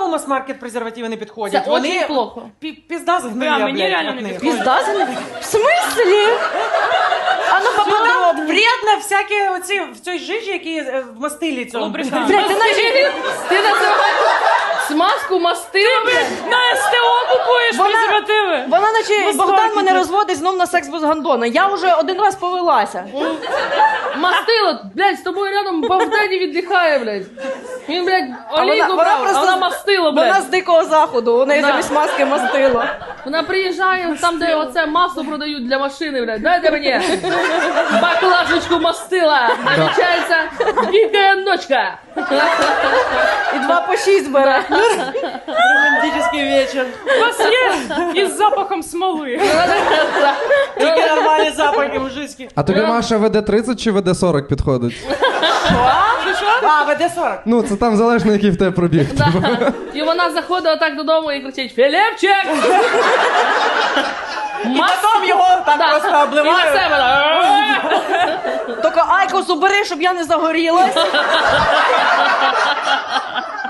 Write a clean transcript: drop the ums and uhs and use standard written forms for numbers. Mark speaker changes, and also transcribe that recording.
Speaker 1: мас-маркет презервативи не підходять.
Speaker 2: Це дуже плохо.
Speaker 1: Пізда згниє,
Speaker 3: Прям, мені
Speaker 1: блядь,
Speaker 3: реально
Speaker 1: від
Speaker 3: не
Speaker 1: них.
Speaker 3: підходить.
Speaker 2: Пізда з них? В смислі? А ну
Speaker 1: Там
Speaker 2: поподробні.
Speaker 1: вредно всякі оці, в цій жижі, які в мастилі цьому.
Speaker 3: Лубрикант.
Speaker 2: Блядь, ти
Speaker 4: називаєш смазку мастила,
Speaker 3: На СТО купуєш презервативи.
Speaker 2: Вона наче
Speaker 1: Без
Speaker 2: Богдан
Speaker 1: маркету.
Speaker 2: мене розводить знов на секс без гандона. Я вже один раз повелася.
Speaker 4: мастило, блядь, з тобою рядом Богдані віддихає, блядь. Він, блядь,
Speaker 2: А
Speaker 4: олійку брав, а вона мастило, блядь.
Speaker 2: Вона з дикого заходу, у неї
Speaker 4: Да.
Speaker 2: замість маски мастило.
Speaker 4: Вона приїжджає там, де оце масло продають для машини, блядь. Дайте мені баклажечку мастила. Намічається вікендочка.
Speaker 2: І 2 по 6 бере.
Speaker 1: Романтичний вечір.
Speaker 3: У вас є із запахом смоли.
Speaker 1: Тільки нормальні запахи мужицькі.
Speaker 5: А тобі, Маша, ВД-30 чи ВД-40 підходить?
Speaker 1: А, ВД-40.
Speaker 5: Ну, це там залежно, який в тебе пробіг.
Speaker 4: Да. І вона заходить отак додому і кричить: Філіпчик!
Speaker 1: Потім його там просто
Speaker 4: І на
Speaker 1: обливають.
Speaker 4: себе.
Speaker 2: Тільки айкос убери, щоб я не загорілась.